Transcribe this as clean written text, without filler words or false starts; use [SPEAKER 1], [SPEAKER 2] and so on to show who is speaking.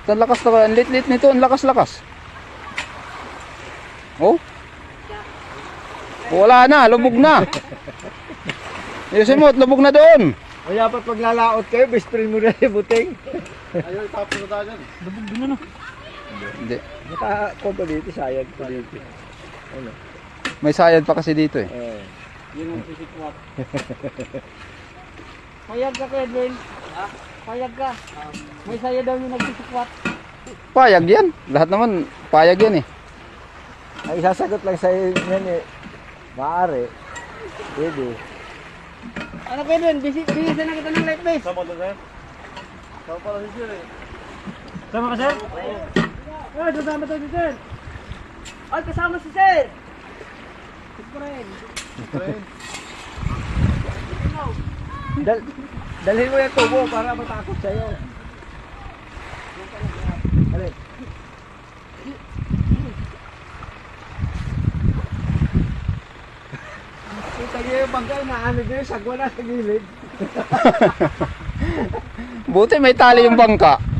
[SPEAKER 1] Ang lakas na, ang lit-lit nito, ang lakas-lakas. Oh. Wala na, lubog na. Yosemot, lubog na doon.
[SPEAKER 2] Ay, dapat maglalaot kayo, best friend mo na yung buting.
[SPEAKER 3] Ayun, tapos na tayo dyan.
[SPEAKER 1] Lubog din na. Hindi.
[SPEAKER 2] Naka-compa dito, sayad pa dito. Ano?
[SPEAKER 1] May sayad pa kasi dito eh.
[SPEAKER 2] Yun ang sisikwat. Payag ka, Edwin. Ha? Payag ka. May saya daw yung nagsisikwat.
[SPEAKER 1] Payag yan. Lahat naman payag yan eh.
[SPEAKER 2] Ay, sasagot lang sa'yo yan eh. Maaari. Pwede. Ano kayo dun? Bisisan na kita ng light base.
[SPEAKER 3] Sama doon, sir. Sama pala si sir eh.
[SPEAKER 2] Sama ka, sir? Oo. Sasama tayo si sir. Ay, kasama si sir. Friend. Dalhin mo yung tubo para matakot sa'yo. Alin? Kita niyo yung bangka, naano niyo yung sagwa na sa gilid.
[SPEAKER 1] Buti may tali yung bangka.